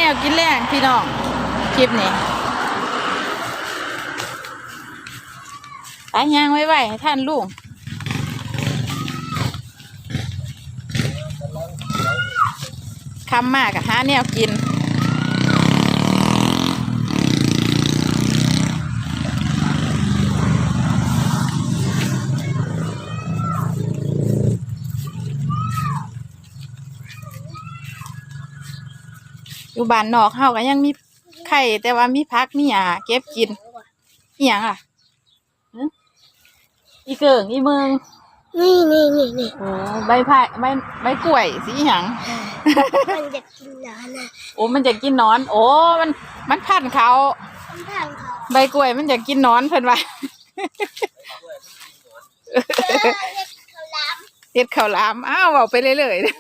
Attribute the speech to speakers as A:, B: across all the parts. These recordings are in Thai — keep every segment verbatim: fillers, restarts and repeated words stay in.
A: วกินแรงพี่น้องคลิปนี้ตายยางไว้ไว้ให้ท่านลุงคำมากกับหาแนวกินอยู่บ้านนอกเฮาก็ยังมีไข่แต่ว่ามีพักมีหญ้าเก็บกินอีหยังอ่ะอีเกิ่งอีเมือง
B: นี่นี่นี่นี่
A: โอ้ใบไผ่ใบใบกล้วยสีหยัง
B: มันจะกินนอนนะ
A: โอ้มันจะกินนอนโอ้มันมันพันเขา
B: มันทางเขา
A: ใบกล้วยมันจะกินนอนเพิ่นว่าเฮ็ดข้าวหลามอ้าวเอาไปเรื่อยๆ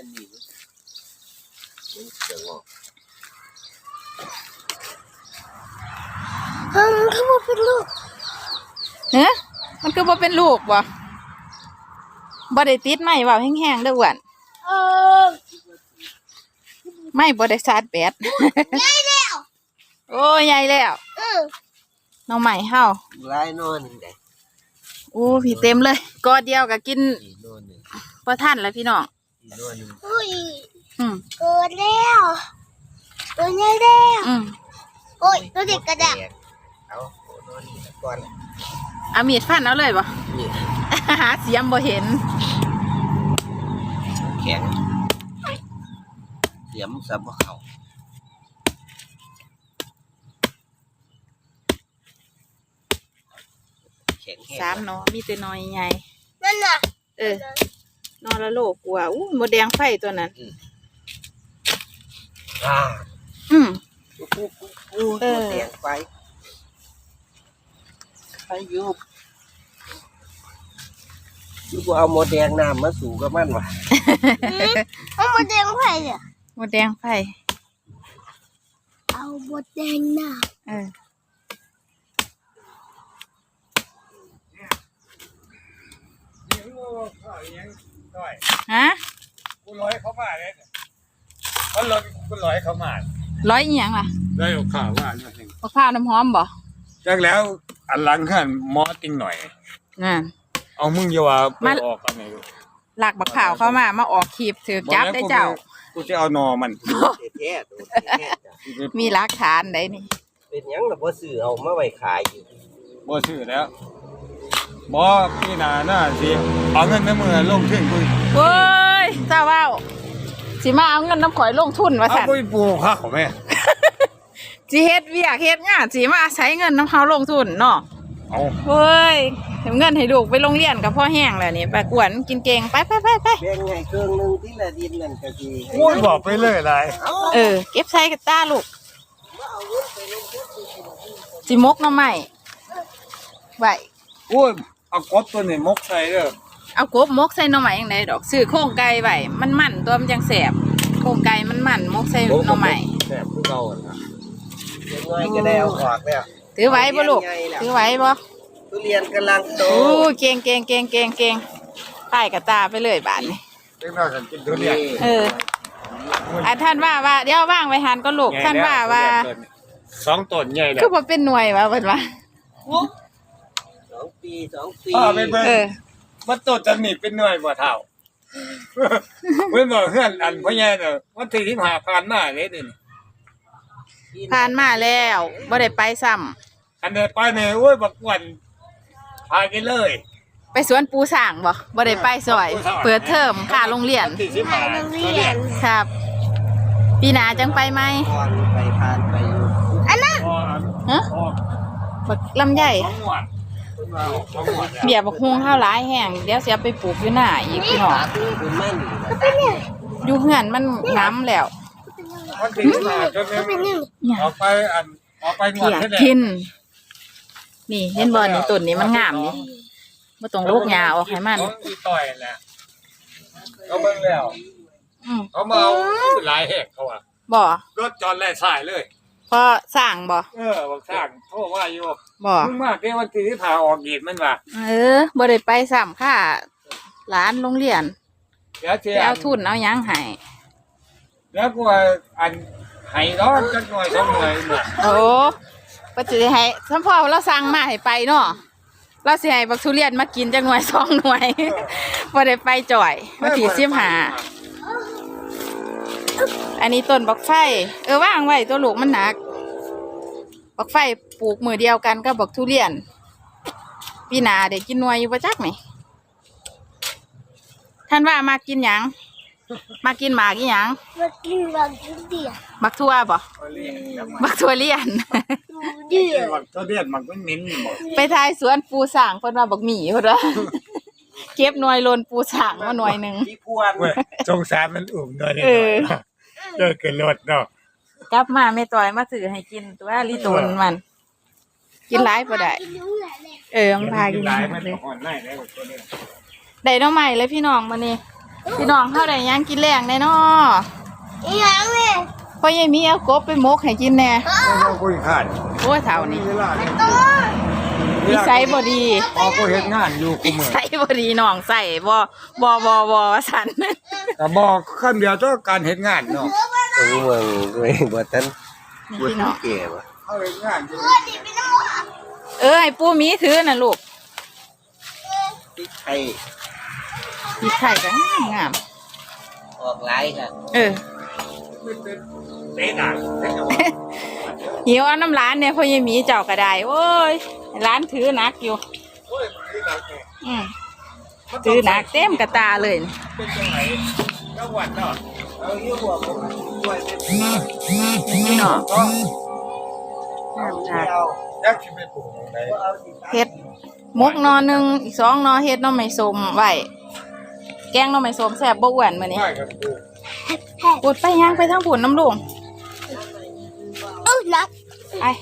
B: เฮ้ยมันคือว่าเป็นลูก
A: เฮ้ยมันคือว่าเป็นลูกบ่บ่ได้ติดไม้ว่าแห้งๆเด้ออ้วน
B: เออ
A: ไม่บ่ได้ชาร์จแบต
B: ใหญ่แล้ว
A: โอ้ใหญ่แล้ว
B: เออ
A: น้องใหม่เฮา
C: ลายนอนได้
A: โอ้พี่เต็มเลยกอเดียวก็กินบ่ทันแล้วพี่น้อง
B: อุ้ย
A: อืม
B: เกิดแล้วตัวใหญ่แล้ว
A: อืม
B: โอ้ยตัวเด็กกระดัก
C: เอานอนก่อน
A: เอามีดฟันเอาเลยบ่หาเสียมบ่เห็น
C: แข็งเสียมสับบ่เข้าแข็ง
A: สามเนาะมีแต่น้อยใหญ่
B: นั่นน่ะ
A: เออนอนละโลกกว่าอู้หมดแดงไฟตัวนั้น
C: อ่า
A: อืม
C: เออแดงไฟไฟยุบยุบเอาหมดแดงน้ำมาสู่กับมันวะ
B: เอาหมดแดงไฟเนี่ย
A: หมดแดงไฟ
B: เอาหมดแดงน้
A: ำเออฮะ
D: กูร้อยเขามาเลยเขาลดกูร้อยเขามา
A: ร้อยอีหยังล่ะ
D: ได้เอาข่าวว่าเนี่ย
A: มะพร้าวน้ำหอมบ่
D: จากแล้วอันหลังขันมอติ้งหน่อย
A: น่ะ
D: เอามึงอย่าว่าไปออกกันไหน
A: หลักบักข่าวเข้ามามาออกคลิปถือจับได้เจ้า
D: กูจะเอานอมัน
C: แท้
A: มีหลักฐานได้นี่
C: เป็นยังล่ะบ่ซื้อเอามาไว้ขายอยู่
D: บ่ซื้อแล้วบ่พี่นาหน้าสิเอาเงินในมือลงทุนกู
A: เว้ยเจ้าว่าวสิมาเอาเงินน้ำข่อยลงทุนว่าซั่น
D: เอาไปปลูกข้าวแม่
A: สิเฮ็ดเวียกเฮ็ดงานสิมาใช้เงินน้ำเฮาลงทุนเนาะ
D: เอา
A: เฮ้ยเงินให้ลูกไปโรงเรียนก็พอแห้งแล้วนี่ไปกวนกินเก่งไปไปไปไป
C: แบ่งให้เครื่องนึงที่ละดินนั่นก็สิ
D: โอ้ยบอกไปเลยหลาย
A: เออเก็บใส่กระต้าลูกสิมกหน่อไม้ไว้
D: โอ้ยเอากบตัวนี้มกใส่เด้อ
A: เอากบมกใส่หน่อไม้ยังไงดอกซื้อโครงไก่ไว้มันมันตัวมันจังแสบโครงไก่มันมันมกใส่หน่อไม้
C: แสบคือเก่าอ่ะยังไงก็ได้เอาออกแล้ว
A: ถือไว้บ่ลูกถือไว้บ่
C: ทุเรียนกำลังโต
A: โอ้เก่งเก่งเก่งเก่งเก่งป้ายกระตาไปเลยบาทนี่
D: เด็กน้อยกันกินทุเรียน
A: เอออ่ะท่านว่าว่าเดี๋ยวว่างไว้หันก็ลูกท่านว่าว่า
D: สองต้นใหญ่แล้ว
A: คือพอเป็นหน่วยว่าเพิ่นว่า
C: สองปีสองปี
A: เออ
D: มันต้นจะหนีเป็นหน่วยบ่เท่าเพิ่นบอกเฮือนอันพ่อใหญ่เด้อวันที่สิบห้าผ่านมาเลยนี่
A: ผ่านมาแล้วบ่ได้ไปซ้ำ
D: อันเด้ไปนี่โอ้ยบักอ้วนพากันเลย
A: ไปสวนปูสร้างบ่บ่ได้ไปซอยเปิดเทอมค่าโรงเรียน
B: ค่าโรงเรียน
A: ครับปีหน้าจังไปไหม
C: ไปผ่านไป
B: อันนั้น
A: ฮะบักลำไยเบียบักฮวงข้าวหลายแห้งเดี๋ยวสิเอาไปปลูกอยู่หน้าอีกพี่น้องอยู่เฮือนมันง้ำแล้ว
D: มันสิมาจนออกไปอันออกไปงวดให้ได้
A: กินนี่เห็นบ่นี่ต้นนี้มันงามนี่บ่ต้องลูกหญ้าออกให้มัน
D: อีต่อยแหละเขาเบิ่งแล้วเขามาเอาหลายแหกเขาอ่ะ
A: บ่
D: รถจอดไล่สายเลย
A: พอสร้างบ่
D: เออบ่สร้างโทรว่าอยู่
A: บ่
D: มึงมาแค่วันที่พาออกอีกมันว่า
A: เออบ่ได้ไปซ้ำค่ะหลานโรงเรียนไปเอาทุนเอาหยังให้
D: แล้วกูว่าอันหให้ดอกจักหน่อยสองหน่อยน่ะ
A: โอ้ปัจจุบันให้ท่านพ่อเราสั่งมาให้ไปเนาะเราสิให้บักทุเรียนมากินจักหน่วยสองหน่วย บ่ได้ไปจ่อยมาถีสิบหาอันนี้ต้นบักไฟเออว่างไว้ตัวลูกมันหนักบักไฟปลูกมือเดียวกันกับบักทุเรียนพี่นาเด็กกินหน่วยอยู่ประจักไหมท่านว่ามากินหยังมากินหมากอีหยัง
B: มากินบางทีเดียว
A: บักทั่วบ่บักทั่วเลียน
B: ดูเดียว
D: มันก็เรียนมันก็เหม็นบ่
A: ไปทายสวนปูสางเพิ่นว่าบักหมี่เพิ่นว่า เก็บหน่วยโลนปูสางมาหน่วยหนึง
C: พี่พวน
D: เว้ยสงสารมันอุ่มหน่อยหน่
A: เอ
D: อย
A: อ
D: เลิกกันรถเนาะ
A: กลับมาแม่ต่อยมาซื้อให้กินตัวลิโตนมัน กินหลายบ่ได้
B: กินรู้แหละเลย
A: เออมันพากิน
D: หลาย
A: ห
D: มั
A: ม
D: น
A: ดเลย
D: อ่อนได้แล้วตัวเนี้ย
A: ได้น้องใหม่เลยพี่น้องมื้อนี้พี่น้องเฮาได้หยังกินแรงแน่น้อ
B: อีหยังเนี่ย
A: พ่อยายมีเอากบไปหมกให้กินแน่
D: เราคุยขาด
A: โอ้ยเท่านี้
D: เวลาเนี่ย
B: ตัว
A: นิสัยบ่ดี
D: พอก็เฮ็ดงานอยู่กู
A: นิ
D: มื้อ
A: สัยบ่ดีน้องใส่บ่บ่บ่บ่ว่าซั่น
D: ก็บอกคำเดียวต่อการเฮ็ดงานเนาะ
C: เออเมืองด้วยบ่ทัน
A: นี่
C: บ่
A: พี่
C: ทั
A: น้
C: น
A: อง
C: แก่บ่
D: เขาเฮ็ดงานอยู่
A: เออให้ปู่หมีถือน่ะลูก
C: พริกไทย
A: พี่ไข่ก็งาม
C: ออกหลายค่ะ
A: เออ
D: เตะด่างเตะเอา
A: หิวเอาน้ำร้านเนี่ยพ่อยายหมีเจ้าก็ได้โอ้ยร้านถือหนักอยู่
D: โอ้ยมันคือหนักแน่
A: อืมถือหนักเต็มกระตาเลย
D: เป็นจังไงจังหวัดเนาะ
C: เอาอยู่บ่บ่ช่วยเป็น
A: พี่น้อง
D: ก็
A: งามหนัก
C: เอา
D: ยักษ์สิไปปลูกตรงไหน
C: บ่เอาสิ
A: เฮ็ดมกหนอหนึ่งอีกสองหนอเฮ็ดหน้อไม้ส้มไว้แกงหน้อไม้ส้มแซ่บบ่อ้วนมื้อนี้
D: ไม่ครับปลูก
A: ปุดไปย่างไปทางผุนน้ำลุง
B: เอ้านัก
A: ไอ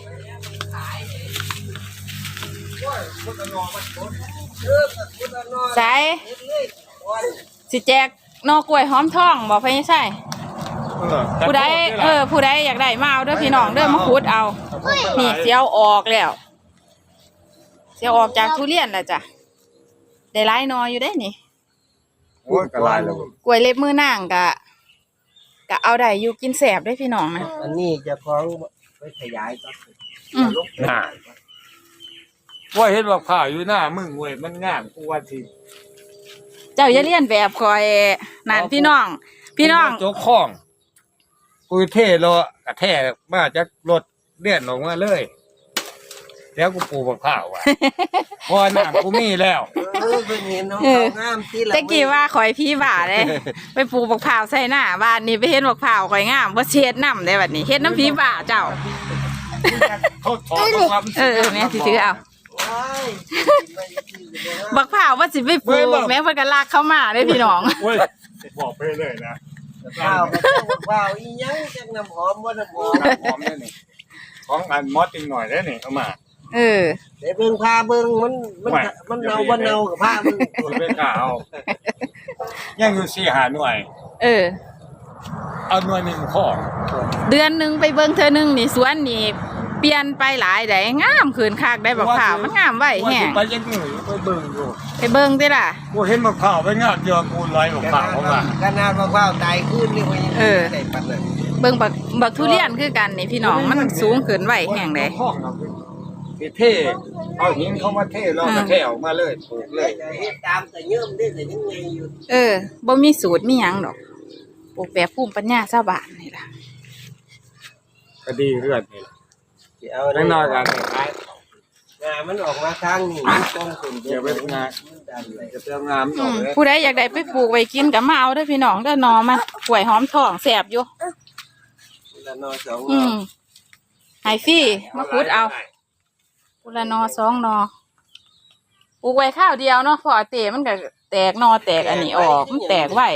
A: สายสิแจกหนอกล้วยหอมทองบอกไปใช่
D: เออ
A: ผู้ใดเออผู้ใดอยากได้มาเอาเด้อพี่น้องเด้อมาขุดเอา นี่เสียวออกแล้วเสียวออกจากทุเรียนแล้วจ้ะได้หลายหนออยู่ได้นี่
D: โอ้ยกระไรแล้ว
A: กล้วยเล็บมือนางกะกะเอาได้อยู่กินแสบได้อพี่น้องนะ
C: อันนี้เจะของไปขยายก็
A: อืม
D: หน้าว่าเห็นว่าข้าวอยู่หน้ามึงเว้ยมันงามกูว่าสิ
A: เจ้าอย่าเลียนแบบคอยนั่นพี่น้อง พี่น้อง
D: โจ๊กข้องกูเท่รอกระแทกมาจากรถเลื่อนออกมาเลย แล้วกูปลูกมะพร้าว อ่ะ พอหน้ากูมีแล้ว
C: เออเพิ่นเห็นน้อง
A: เออ
C: เขางามที่ละ
A: ตะกี้ว่าข่อยพี่บ่าเลย ไปปลูกบักพร้าวใส่หน้าบ้านนี้ไปเห็นบักพร้าวข่อยงามบ่เช็ดน้ำได้บัดนี้เฮ็ดน้ำพี่บ่าเจ้า
D: เขาถอดความ
A: เออเออแม่สิถือเอา
C: ว้าย
A: บักพร้าวว่าสิไปปลูกแม่เพิ่นก็ลากเข้ามาเด้อพี่น้อง
D: เว้ยบอกไปเลยนะ
C: ข้าวก็ต้องว้าวอีหยังจักน้ำหอมบ่น้ำหอม
D: น้ำหอมนี่นี่ของอันมอสติงหน่อยได้นี่เอามา
A: เออ
C: เดี๋ยวเบิ่งพาเบิ่งมันมัน
D: ไม่
C: มันเนาบ่เนากับพามัน
D: กูเป็นข้าวยังอยู่สี่หาหน่วย
A: เออ
D: เอาหน่วยหนึ่งข้อ
A: เดือนหนึงไปเบิ่งเธอหนึงนี่สวนนี่เปลี่ยนไปหลายได้งามขึ้นคักได้บักพร้าวมันงามไว้แฮง
D: ไปยังหนึ่งไปเบิ่งอยู่
A: ไปเบิ่งติล่ะ
D: กูเห็นมะพร้าวไปงามเดียวกูร้อยมะพร้าวเข้ามา
C: ขนาดว่าว้าวตายขึ้นนี่ว่ายัง
A: เออ
C: ได้ปานนั้น
A: เบิ่งบักบักทุเรียนคือกันนี่พี่น้องมันสูงขึ้นไว้แฮงเด้
D: ห้องเราคือเท่เอาหินเข้ามาเท่แล้วก็เท่ออกมาเลยปลูกเลย
C: จะเฮ็ดตามแต่เยิ่มได้แต่ยังไงอยู่
A: เออบ่มีสูตรมีหยังดอกปลูกแบบภูมิปัญญาชาวบ้านนี่ล่ะ
D: ก็ดีเรื่อนนี่แหละ
C: สิเอา
D: แน่นอนกัน
C: งามันออกมาทางนี้มันตรงขึ้น
D: เดี๋ยวไปงาน
C: มันดันเลย
D: จะเตรียมงานอ
A: อื
D: อก
A: ม
D: เลย
A: ผู้ใดอยากได้ไปปลูกไว้กินก็มาเอาเด้อพี่น้องเด้อหนอมันกล้วยหอมทองแซ่บอยู่
C: ละนอสอง
A: อืมให้ฟรีมาขุดเอากุละหนอสองหนอปลูกไว้ข้าวเดียวเนาะเพอเตมันก็แตกหนอแตกอันนี้ออกมันแตกไว้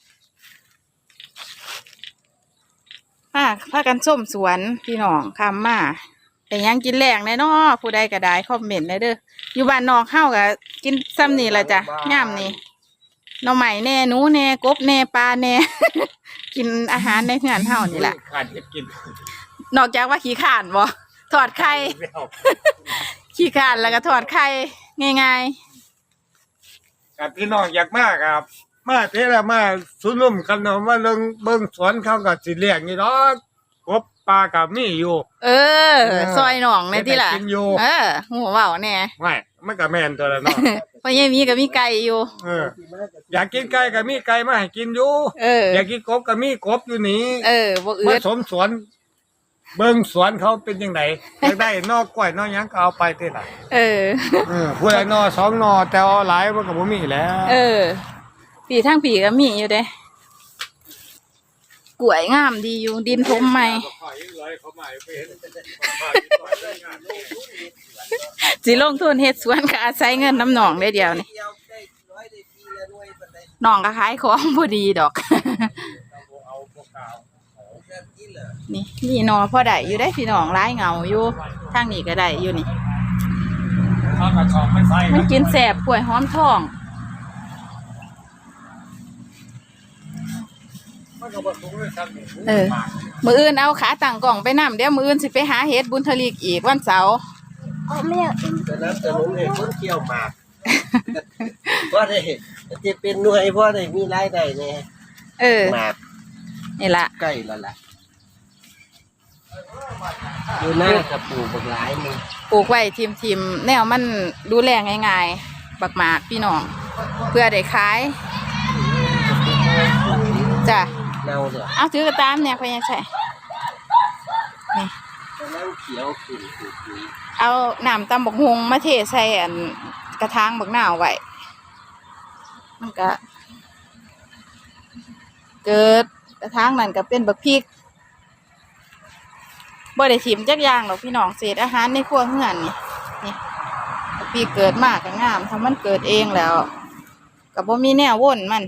A: พาพากันส้มสวนพี่น้องคำมาแต่ยังกินแรงแน่เนาะผู้ใดก็ได้คอมเมนต์ได้เด้ออยู่บ้านนอกเฮาก็กินซ้ำนี่แหละจ้ะย่ามนี่หน่อไม้แน่หนูแน่กบแน่ปลาแน่ กินอาหารในเฮือนเฮานี่แหละ
D: ขาดเห็ดกิน
A: นอกจากว่าขี้ข่านบ่ถอดไข่ ขี้ข่านแล้วก็ถอดไข่ง่าย
D: กับพี่น้องอยากมากครับ มาเท่ละมาสุนุ่มกันเนาะมาเบิ่งเบิ่งสวนเขาก็สิเลี้ยงนี่ดอกกบปลากับมีอยู่
A: เออ ซอยหนองในที่ล่ะ
D: ได้กินอยู่
A: เออหัวเบาแน่
D: ไม่มันก็แม่นตัวละเนาะ
A: เพราะยังมีก็มีไก่อยู่
D: เออ อยากกินไก่ก็มีไก่มาให้กินอยู่
A: เออ
D: อยากกินกบก็มีกบอยู่นี่
A: เออบ่อื
D: มา
A: ด
D: สมสวน เบิ่งสวนเขาเป็นยังไงอยากได้นอกกล้วยนอกหยังก็เอาไปที่ไหน
A: เออ
D: เออผู้ใดนอสองนอแต่เอาหลายมันก็บ่มีแล้ว
A: เออผีทั้งผีก็มีอยู่เด้กล้วยงามดีอยู่ดินทมใหม่ สิลงทุนเฮ็ดสวนก็อาศัยเงินน้ำหนองได้เดียวนี่
C: เดียวได้ร้อยได้ปีละหน่วยปานใด
A: หนองก็ขายของบ่ดีดอก
C: แค่นี้เหรอ
A: นี่นี่หนอพอได้อยู่ได้พี่น้องร้ายเหงาอยู่ทางนี้ก็ได้อยู่นี่
D: เอากระสอบไปใส่
A: มันกินแสบกล้วยหอมทอง
D: มันก็บ่สูงเลยครับนี่
A: เออ มืออื่นเอาขาตั้งกล่องไปนำเดี๋ยวมืออื่นสิไปหาเฮ็ดบุญทลีกอีกวันเสาร์
B: อ๋อไม่อยากกิน
C: แต่น้ำจะลงให้คนเที่ยวหมาก เพราะได้จะเป็นหน่วยเพราะได้มีรายได้แน่
A: เออ
C: หมาก
A: นี่ละ
C: ใกล้แล้วล่ะอยู่หน้ากระปูบักหลายหนึง
A: ปลูกไว้ทีมทีมๆแนวมันดูแลง่ายๆบักหมากพี่น้อง เพื่อได้ขายจ้ะ
C: เน่าเลย
A: เอาถือกระตามเนี่ยพยังใช่นี่
C: กำลังเขียวขึ้นขึ้นขึ้น
A: เอาน้ำตำบักฮงมาเทใส่อันกระถางบักหนาวไว้มันก็ เกิดกระถางนั่นก็เป็นบักพริกบ่ได้ถิมจักอย่างหรอกพี่น้องเศษอาหารในครัวเฮือนนี่นี่บักพริกเกิดมากก็งามถ้ามันเกิดเองแล้วก็บ่มีแนววนมัน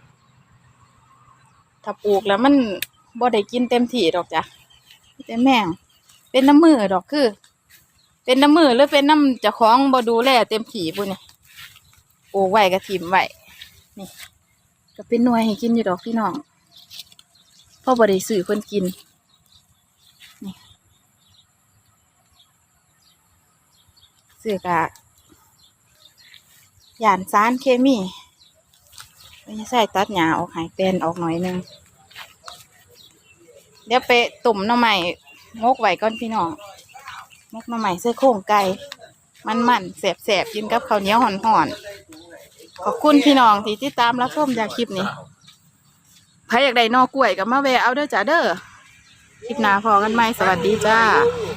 A: ถ้าปลูกแล้วมันบ่ได้กินเต็มที่ดอกจ้ะแต่แม่งเป็นน้ำมือดอกคือ เป็นน้ำมือหรือเป็นน้ำเจ้าของบ่ดูแลเต็มที่ปุ่นนี่ปลูกไว้ก็ถิ่มไว้นี่ ก็เป็นหน่วยให้กินอยู่ดอกพี่น้องพ่อบ่ได้ซื้อเพิ่นกินนี่ซื้อกะย่านสารเคมีไม่ใช่ตัดหญ้าออกให้เป็นออกหน่อยนึงเดี๋ยวไปตุ่มหน่อไม้งกไว้ก่อนพี่น้องงกหน่อไม้เสื้อโครงไก่มันๆแสบๆกินกับข้าวเหนียวห่อนๆขอบคุณพี่น้องที่ติดตามรับชมจากคลิปนี้ใครอยากได้หนอกล้วยก็มาแวะเอาเด้อจ้าเด้อคลิปหน้าพอกันไหมสวัสดีจ้า